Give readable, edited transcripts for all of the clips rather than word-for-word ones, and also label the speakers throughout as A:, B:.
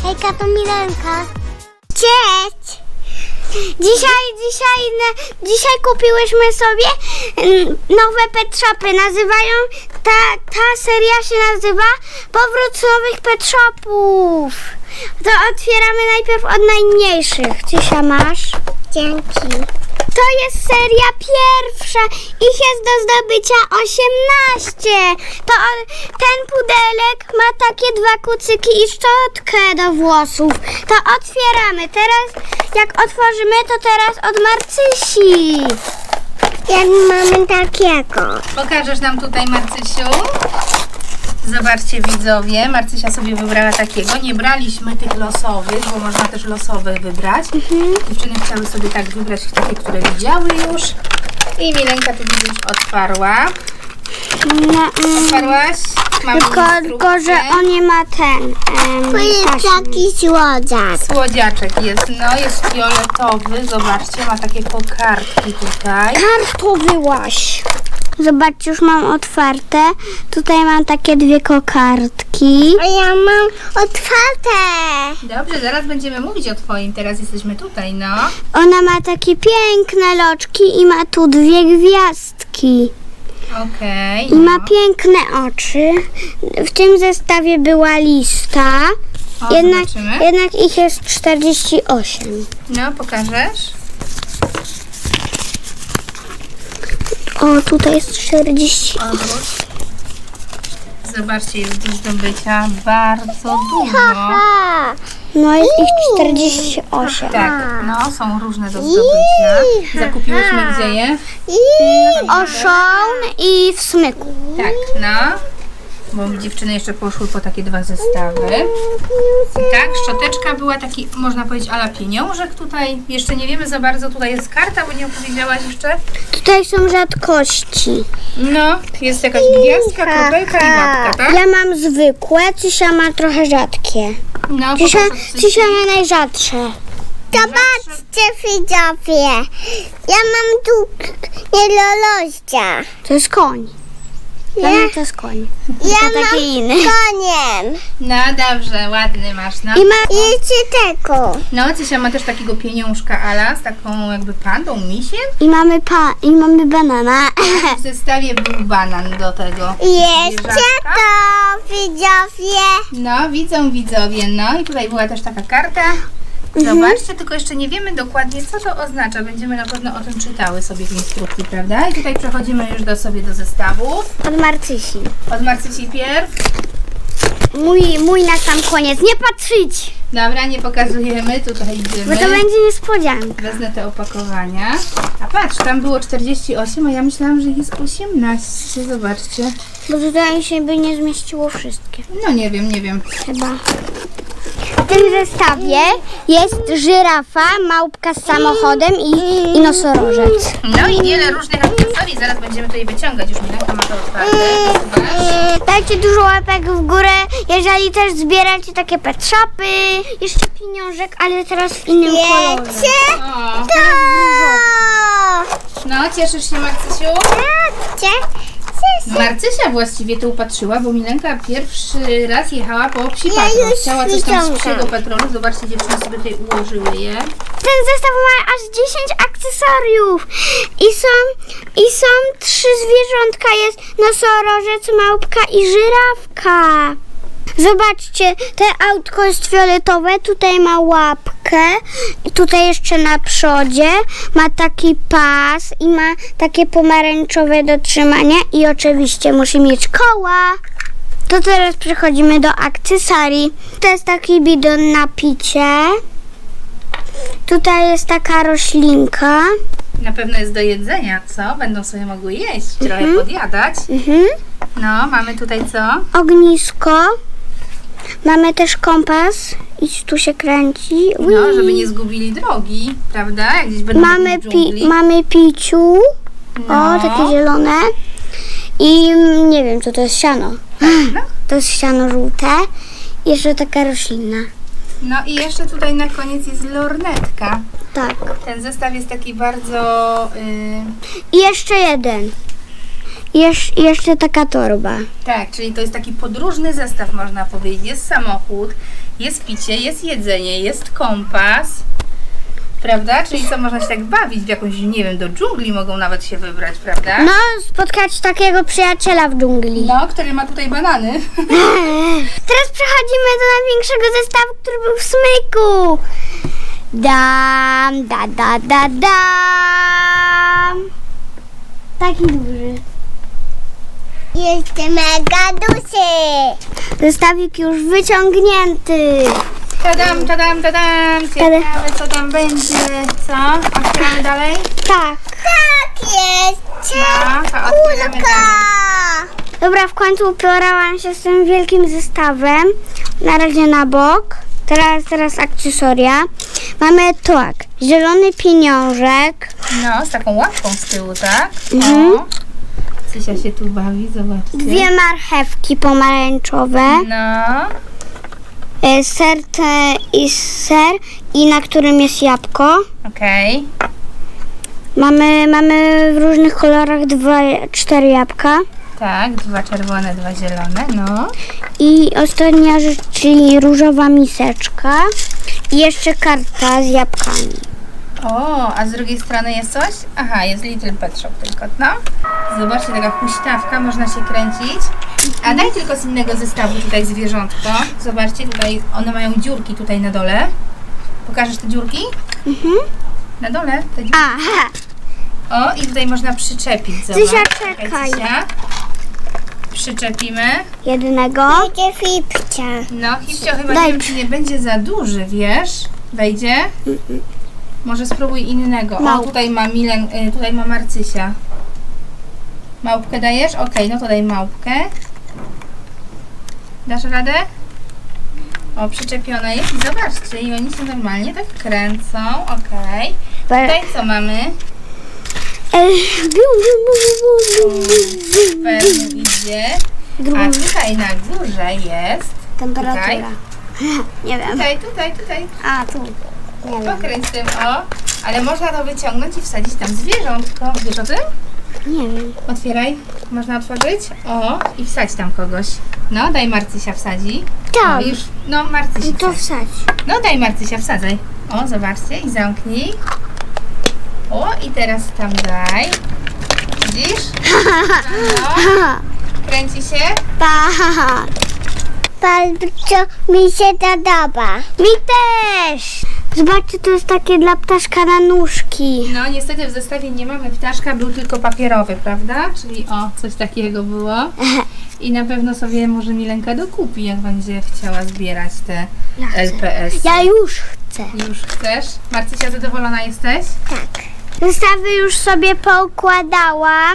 A: Hejka, to Milenka. Cześć! Dzisiaj kupiłyśmy sobie nowe pet shopy. Ta seria się nazywa Powrót nowych pet shopów. To otwieramy najpierw od najmniejszych. Cysia, masz? Dzięki. To jest seria pierwsza. Ich jest do zdobycia 18. Ten pudelek ma takie dwa kucyki i szczotkę do włosów. To otwieramy. Teraz jak otworzymy, to teraz od Marcysi. Jak mamy takiego.
B: Pokażesz nam tutaj, Marcysiu? Zobaczcie, widzowie, Marcysia sobie wybrała takiego. Nie braliśmy tych losowych, bo można też losowe wybrać. Dziewczyny chciały sobie tak wybrać takie, które widziały już. I Milenka, tu widzisz, otwarła. Otwarłaś? Mamy
A: Tylko, że on nie ma ten. To jest taki słodziak.
B: Słodziaczek jest, no jest fioletowy. Zobaczcie, ma takie kokardki tutaj.
A: Kartowyłaś. Zobaczcie, już mam otwarte. Tutaj mam takie dwie kokardki. A ja mam otwarte.
B: Dobrze, zaraz będziemy mówić o twoim. Teraz jesteśmy tutaj, no.
A: Ona ma takie piękne loczki i ma tu dwie gwiazdki.
B: Okej.
A: I ma piękne oczy. W tym zestawie była lista.
B: O, zobaczymy.
A: Jednak ich jest 48.
B: No, pokażesz?
A: O, tutaj jest 40.
B: Odwróć. Zobaczcie, jest do zdobycia bardzo dużo.
A: No jest ich 48.
B: Tak, no, są różne do zdobycia. Zakupiłyśmy gdzie je?
A: Oszon i w smyku.
B: Tak, no. Bo dziewczyny jeszcze poszły po takie dwa zestawy. Tak, szczoteczka była taki, można powiedzieć, ala pieniążek tutaj. Jeszcze nie wiemy za bardzo, tutaj jest karta, bo nie opowiedziałaś jeszcze.
A: Tutaj są rzadkości.
B: No, jest jakaś gwiazdka, kropelka i łapka, tak?
A: Ja mam zwykłe, Cysia ma trochę rzadkie.
B: No,
A: Cysia ma najrzadsze. Zobaczcie, widzowie. Ja mam tu nielolościa. To jest koń. To jest koń. Ja taki inny. Koniem.
B: No dobrze, ładny masz, no.
A: I ma jeszcze tego.
B: No, Cysia ma też takiego pieniążka ala z taką jakby pandą, misiem.
A: I mamy banana.
B: W zestawie był banan do tego.
A: Jeszcze
B: zwierzaczka.
A: to, widzowie.
B: No, widzą widzowie, no i tutaj była też taka karta. Zobaczcie, tylko jeszcze nie wiemy dokładnie, co to oznacza. Będziemy na pewno o tym czytały sobie w instrukcji, prawda? I tutaj przechodzimy już do zestawów.
A: Od Marcysi.
B: Od Marcysi pierw.
A: Mój na sam koniec. Nie patrzeć,
B: Dobra, nie pokazujemy, tutaj idziemy.
A: bo to będzie niespodzianka.
B: Wezmę te opakowania. A patrz, tam było 48, a ja myślałam, że jest 18. Zobaczcie.
A: Bo tutaj się by nie zmieściło wszystkie.
B: No nie wiem.
A: Chyba. W tym zestawie jest żyrafa, małpka z samochodem i nosorożec.
B: No i wiele różnych akcesorii. Zaraz będziemy tutaj wyciągać. Już Milenka ma to otwarte.
A: Dajcie dużo łapek w górę, jeżeli też zbieracie takie pet shopy. Jeszcze pieniążek, ale teraz w innym kolorze.
B: O,
A: To!
B: no, cieszysz się, Marcysiu? Marcysia właściwie to upatrzyła, bo Milenka pierwszy raz jechała po psi patrol. Chciała coś tam z psiego patrolu. Zobaczcie, dziewczyny sobie tutaj ułożyły je.
A: Ten zestaw ma aż 10 akcesoriów i są 3 zwierzątka. Jest nosorożec, małpka i żyrawka. Zobaczcie, te autko jest fioletowe, tutaj ma łapkę, tutaj jeszcze na przodzie ma taki pas i ma takie pomarańczowe do trzymania i oczywiście musi mieć koła. To teraz przechodzimy do akcesorii. To jest taki bidon na picie. Tutaj jest taka roślinka.
B: Na pewno jest do jedzenia, co? Będą sobie mogły jeść, trochę podjadać. No, mamy tutaj co?
A: Ognisko. Mamy też kompas i tu się kręci.
B: No, żeby nie zgubili drogi, prawda? Jak gdzieś będą w dżungli.
A: Mamy piciu.
B: No.
A: O, takie zielone. I nie wiem, co to jest siano.
B: No.
A: To jest siano żółte. I jeszcze taka roślina.
B: No i jeszcze tutaj na koniec jest lornetka.
A: Tak.
B: Ten zestaw jest taki bardzo...
A: I jeszcze jeden. Jeszcze taka torba.
B: Tak, czyli to jest taki podróżny zestaw, można powiedzieć. Jest samochód, jest picie, jest jedzenie, jest kompas. Prawda? Czyli co, można się tak bawić w jakąś, nie wiem, do dżungli mogą nawet się wybrać, prawda?
A: No, spotkać takiego przyjaciela w dżungli.
B: No, który ma tutaj banany.
A: Teraz przechodzimy do największego zestawu, który był w smyku. Dam, dam. Taki duży. Jest mega duży. Zestawik już wyciągnięty.
B: Tadam. Ciekawe, co tam będzie. Co? Otwieramy dalej?
A: Tak. Tak jest.
B: No, to otwieramy dalej.
A: Dobra, w końcu uporałam się z tym wielkim zestawem. Na razie na bok. Teraz akcesoria. Mamy tak, zielony pieniążek.
B: No, z taką łapką z tyłu, tak?
A: Mhm.
B: O. Cysia się tu bawi, zobaczcie.
A: 2 marchewki pomarańczowe.
B: No.
A: Ser i na którym jest jabłko.
B: Okej.
A: Mamy w różnych kolorach 4 jabłka.
B: Tak, 2 czerwone, 2 zielone, no.
A: I ostatnia rzecz, czyli różowa miseczka. I jeszcze karta z jabłkami.
B: O, a z drugiej strony jest coś? Aha, jest Little Pet Shop tylko, no. Zobaczcie, taka huśtawka, można się kręcić. A daj tylko z innego zestawu tutaj zwierzątko. Zobaczcie, tutaj one mają dziurki tutaj na dole. Pokażesz te dziurki?
A: Mhm.
B: Na dole te dziurki.
A: Aha.
B: O, i tutaj można przyczepić, zobacz.
A: Zysia, czekaj.
B: Zysia. Przyczepimy.
A: Jednego. Będzie Fipcia.
B: No, Hipcio chyba
A: Daj.
B: nie wiem, czy nie będzie za duży, wiesz? Wejdzie? Może spróbuj innego. O,
A: Małp.
B: tutaj ma tutaj ma Marcysia. Małpkę dajesz? Okej, no to daj małpkę. Dasz radę? O, przyczepiona jest i zobaczcie, i oni się normalnie tak kręcą. Okej. Tutaj co mamy? Super mu idzie. A tutaj na górze jest.
A: Temperatura.
B: Tutaj.
A: Nie wiem.
B: Tutaj.
A: A, tu. Nie wiem.
B: Pokręć tym, o. Ale można to wyciągnąć i wsadzić tam zwierzątko. Wiesz o tym?
A: Nie wiem.
B: Otwieraj. Można otworzyć. O, i wsadź tam kogoś. No, daj Marcysia wsadzi.
A: Tam.
B: O, już, no Marcysia
A: To
B: wsadź.
A: wsadź.
B: No, daj Marcysia, wsadzaj. O, zobaczcie i zamknij. O, i teraz tam daj. Widzisz? No, kręci się.
A: Tak. Bardzo mi się podoba. Mi też. Zobaczcie, to jest takie dla ptaszka na nóżki.
B: No, niestety w zestawie nie mamy ptaszka, był tylko papierowy, prawda? Czyli o, coś takiego było. I na pewno sobie może Milenka dokupi, jak będzie chciała zbierać te
A: Ja chcę.
B: LPS.
A: Ja już chcę.
B: Już chcesz? Marcysia, zadowolona jesteś?
A: Tak. Zestawy już sobie poukładałam.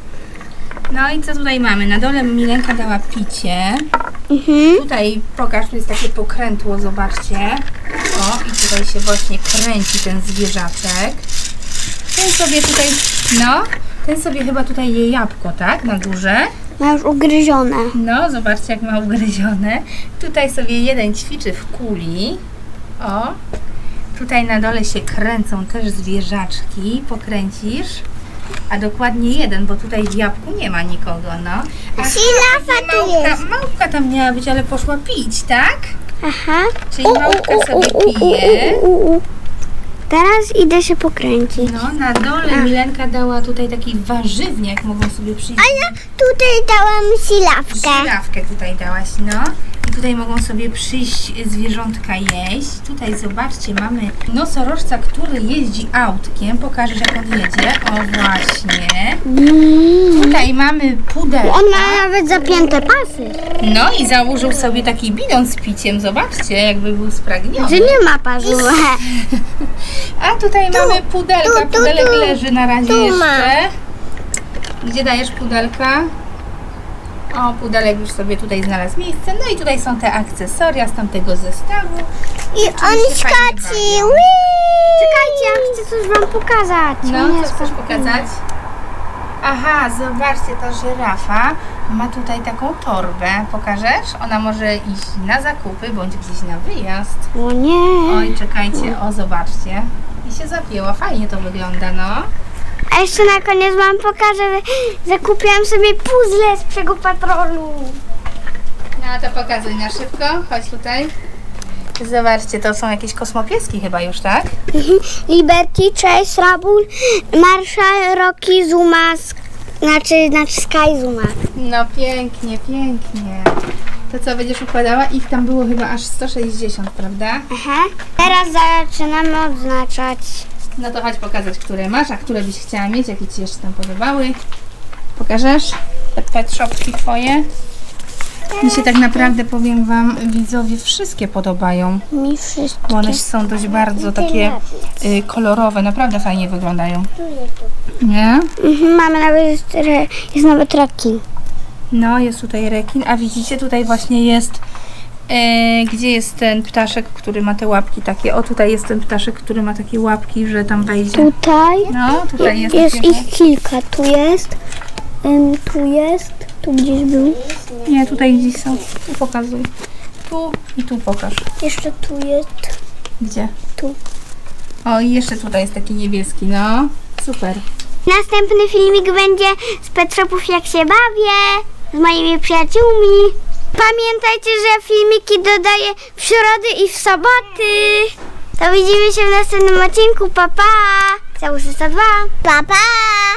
B: No i co tutaj mamy? Na dole Milenka dała picie.
A: Mhm.
B: Tutaj pokaż, tu jest takie pokrętło, zobaczcie. O, i tutaj się właśnie kręci ten zwierzaczek. Ten sobie tutaj, no, ten sobie chyba tutaj je jabłko, tak? Na górze.
A: Ma już ugryzione.
B: No, zobaczcie, jak ma ugryzione. Tutaj sobie jeden ćwiczy w kuli. O, tutaj na dole się kręcą też zwierzaczki. Pokręcisz. A dokładnie jeden, bo tutaj w jabłku nie ma nikogo, no. A
A: Żirafa tu jest.
B: Małpka tam miała być, ale poszła pić, tak?
A: Aha.
B: Czyli małpka sobie pije.
A: Teraz idę się pokręcić.
B: No, na dole Milenka dała tutaj taki warzywniak, mogą sobie przyjść.
A: A ja tutaj dałam silawkę.
B: Żurawkę tutaj dałaś, no. I tutaj mogą sobie przyjść zwierzątka jeść. Tutaj zobaczcie, mamy nosorożca, który jeździ autkiem. Pokażesz, jak on jedzie. O, właśnie. Tutaj mamy pudelka.
A: On ma nawet zapięte pasy.
B: No i założył sobie taki bidon z piciem. Zobaczcie, jakby był spragniony.
A: Że nie ma pasu.
B: A tutaj mamy pudelka.
A: tu,
B: Pudelek
A: tu.
B: leży na razie
A: Tu ma.
B: jeszcze. Gdzie dajesz pudelka? O, pudelek już sobie tutaj znalazł miejsce. No i tutaj są te akcesoria z tamtego zestawu.
A: I
B: on
A: on
B: fajnie
A: skaci.
B: bawią.
A: Czekajcie, ja chcę coś wam pokazać.
B: No, co chcesz pokazać? Aha, zobaczcie, ta żyrafa ma tutaj taką torbę. Pokażesz? Ona może iść na zakupy, bądź gdzieś na wyjazd.
A: O nie.
B: Oj, czekajcie, o, zobaczcie. I się zapięła, fajnie to wygląda, no.
A: A jeszcze na koniec wam pokażę, że zakupiłam sobie puzzle z Psiego Patrolu.
B: No to pokazuj na szybko. Chodź tutaj. Zobaczcie, to są jakieś kosmopieski chyba już, tak?
A: Liberty, Chase, Rabul, Marshall, Rocky, Zuma, znaczy Sky Zuma.
B: No pięknie, pięknie. To co, będziesz układała? Ich tam było chyba aż 160, prawda?
A: Aha. Teraz zaczynamy odznaczać.
B: No to chodź pokazać, które masz, a które byś chciała mieć, jakie ci jeszcze tam podobały. Pokażesz? Te pet shopki twoje? Mi się tak naprawdę, powiem wam, widzowie, wszystkie podobają.
A: Mi wszystko.
B: Bo one są dość bardzo takie kolorowe, naprawdę fajnie wyglądają. Nie?
A: Mamy nawet, jest nawet rekin.
B: No, jest tutaj rekin, a widzicie, tutaj właśnie jest, gdzie jest ten ptaszek, który ma te łapki takie. O, tutaj jest ten ptaszek, który ma takie łapki, że tam wejdzie.
A: Tutaj
B: No, tutaj jest.
A: jest
B: takiego.
A: ich kilka. Tu jest, tu gdzieś był.
B: Nie, tutaj gdzieś są. Tu pokazuj. Tu i tu pokaż.
A: Jeszcze tu jest.
B: Gdzie?
A: Tu.
B: O, i jeszcze tutaj jest taki niebieski, no. Super.
A: Następny filmik będzie z Pet Shopów, jak się bawię z moimi przyjaciółmi. Pamiętajcie, że filmiki dodaję w środy i w soboty. To widzimy się w następnym odcinku. Pa, pa! Całusa 102. Pa, pa!